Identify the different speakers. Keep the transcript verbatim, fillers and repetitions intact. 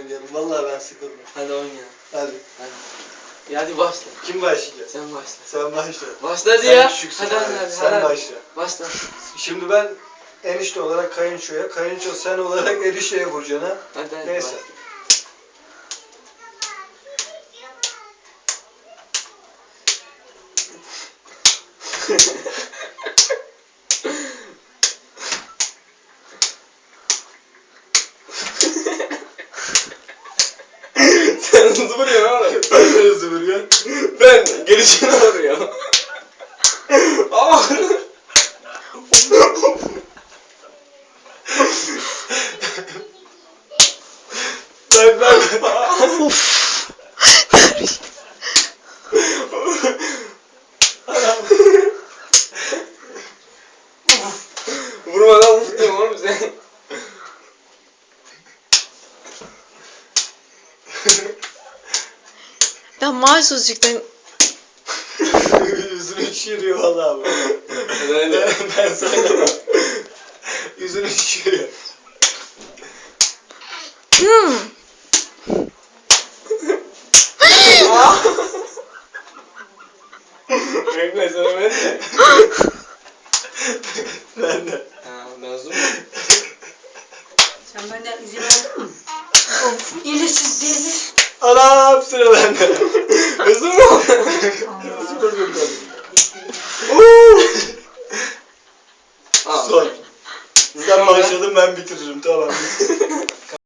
Speaker 1: oynayalım. Vallahi ben sıkıldım.
Speaker 2: Hadi oynayalım.
Speaker 1: Hadi.
Speaker 2: Hadi. Ya hadi başla.
Speaker 1: Kim başlayacak?
Speaker 2: Sen başla.
Speaker 1: Sen başla.
Speaker 2: Başla hadi
Speaker 1: Sen
Speaker 2: ya.
Speaker 1: küçüksün
Speaker 2: Hadi
Speaker 1: abi.
Speaker 2: hadi hadi.
Speaker 1: Sen
Speaker 2: hadi.
Speaker 1: başla.
Speaker 2: Başla.
Speaker 1: Şimdi ben enişte olarak kayınçoya, kayınço sen olarak erişeye vuracaksın ha.
Speaker 2: Hadi hadi.
Speaker 1: Neyse.
Speaker 2: Başla. Sen hızlı vuruyorsun oğlum.
Speaker 1: Ben de hızlı vuruyorum.
Speaker 2: Ben gelişine vuruyorum. Ama
Speaker 1: Bak bak.
Speaker 2: vurmadan vuruyorum oğlum sen.
Speaker 3: Ya mahsusçuktan
Speaker 1: Yüzünü şişiriyor vallahi bu.
Speaker 2: Ben de.
Speaker 1: Ben sana bak. Yüzünü şişiriyor.
Speaker 3: hmm.
Speaker 2: Bekle sana ben de.
Speaker 1: Ben de.
Speaker 2: Ha ben zoom.
Speaker 4: Sen benden izin aldın mı? Of, ilesiz deli.
Speaker 1: Anam sıra bende.
Speaker 2: Hızlı mı?
Speaker 1: Nasıl vurdun ben?
Speaker 2: Aa.
Speaker 1: Son. Sen başladın ben bitiririm tamam.